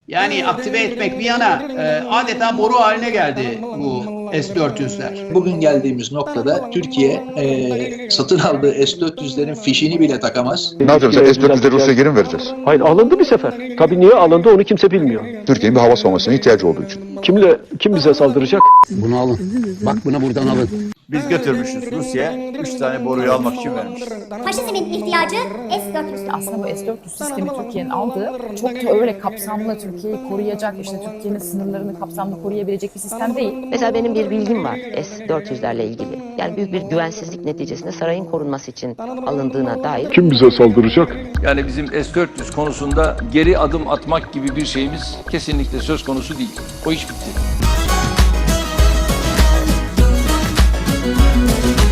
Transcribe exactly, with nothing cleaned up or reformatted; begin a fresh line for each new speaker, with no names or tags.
Yani aktive etmek bir yana e, adeta boru haline geldi bu S dört yüzler.
Bugün geldiğimiz noktada Türkiye e, satın aldığı S dört yüzlerin fişini bile takamaz.
Ne yapacağız? S dört yüzleri Rusya'ya geri mi vereceğiz?
Hayır, alındı bir sefer. Tabii niye alındı onu kimse bilmiyor.
Türkiye'nin bir hava savunmasına ihtiyacı olduğu için.
Kimle kim bize saldıracak?
Bunu alın. Bak bunu buradan alın.
Biz götürmüşüz Rusya'ya. Üç tane boruyu almak için vermiş.
Faşizmin ihtiyacı S dört yüz.
Aslında bu S dört yüz sistemi Türkiye'nin aldığı çok da öyle kapsamlı Türkiye'yi koruyacak, işte Türkiye'nin sınırlarını kapsamlı koruyabilecek bir sistem değil.
Mesela benim bir bilgim var S dört yüzlerle ilgili. Yani büyük bir güvensizlik neticesinde sarayın korunması için alındığına dair.
Kim bize saldıracak?
Yani bizim S dört yüz konusunda geri adım atmak gibi bir şeyimiz kesinlikle söz konusu değil. O iş bitti.